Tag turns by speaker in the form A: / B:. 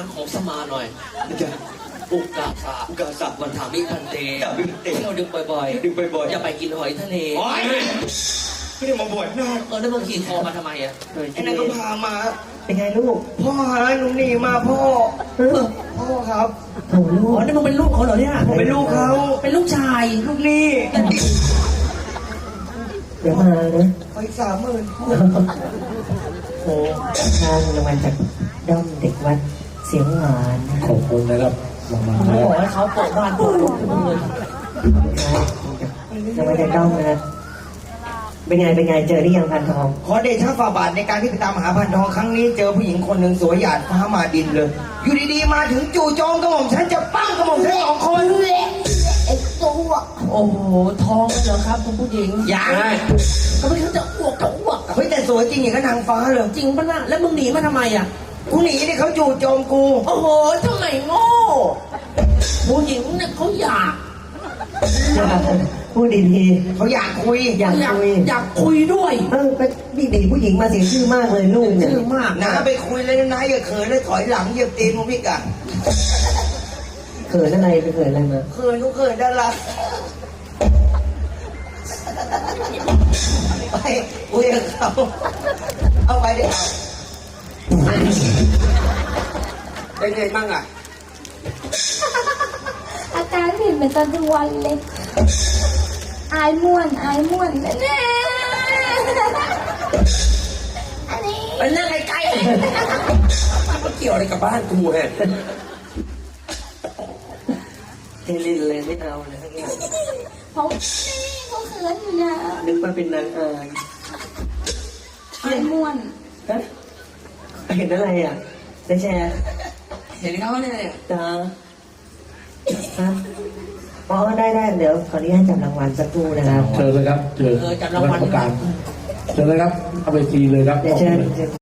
A: ของสมาหน่อย
B: จะ
A: อุกกาสะ
B: อุกาสะ
A: วันถามิพันเต
B: ถามิพันเต
A: ที่เราดึงบ่อย
B: ดึงบ่อยๆ
A: อย่าไปกินหอยทะเล
B: โอ๊ยไม่ได้มาบวชนาค
A: แล้วมึงขี่คอมาทำไมอ่ะ
B: ไอ้นั่นก็พามา
C: เป็นไงลูก
B: พ่อหาหนูหนีมาพ่อ พ่อครับ
C: โถลู
A: อ๋
C: ก
A: อนี่มึงเป็นลูกเขาเหรอเนี่ย
B: ผมเป็นลูกเขา
A: เป็นลูกชาย
B: ลูกหนี่
C: เดี๋ยวมานะ
B: ไป30,000พ่อ
C: โอ้ทางรางวัลจากด้อมเด็กวัดเสียงหวานนะ
D: ขอบคุณนะครับรางวัล
A: เขา
D: แล้
A: บ
D: ว
A: อกให้เขาโปะบ้านโปะรถทุกเงิน
C: รางวัลจากด้อมนะเป็นไงเจอหรือยังพันทอง
B: ขอเดชะฝ่าบาทในการที่ไปตามหาพันทองครั้งนี้เจอผู้หญิงคนหนึ่งสวยหยาดฟ้ามาดินเลย อยู่ดีๆมาถึงจู่โจมกระหม่อมฉันจะปั้งกระหม่อมฉัน2 คนไอ้ตัว
A: โอ้โหท้องเลยเหรอครับคุณผู้หญิง
B: ยัง
A: เขาไม่เขาจะอ้วกอะ
B: เฮ้ยแต่สวยจริงอย่างกับนางฟ้าเลย
A: จริงปะน่ะแล้วมึงหนีมาทำไมอ่ะ
B: กูหนีนี่เขาจู่โจมกู
A: โอ้โหทำไมโง่ผู้หญิงเนี่ยเขาอยาก
C: พูดดี
B: เขาอยากคุย
C: ๆอยากคุย
A: อยากคุยด้วย
C: เป็นดีผู้หญิงมาเสียชื่อมากเลยลูกเนี่ย
A: ชื่อมาก
B: นะไปคุยเลยนะอย่าเขินเลยถอยหลังเหยียบตีนมึงพี่กะ
C: เขินอะไรไปเขินอะไรมา
B: เขินกูเขินด้านหลังไปคุยกับเขาเอาไปดิเป็นไงบ้างอ่ะ
E: อาการผิดเหมือนตอนกลางวันเลย อายม่วนแน่อันนี้
A: ไปนั่งไกลๆมันเกี่ยวอะไรกับบ้านกูฮะ
C: เทลินเลยไม่เอาเลยทั้งนั้น
E: เขาเขาเขินอยู่นะ
C: นึกว่าเป็นนางอาย
E: อายม่วน
C: ฮะเห็นอะไรอ่ะได้แชร์
A: เห็นเขาเนี่ย
C: จ้าฮะอ๋อได้เดี๋ยวขออนุญาตจับรางวัลสักครู่นะครับ
D: เชิญเลยครับเชิญ
A: จับรางวัล
D: ประกาศเชิญเลยครับเอาไปทีเลยครับ
C: เดี๋ยวเชิญ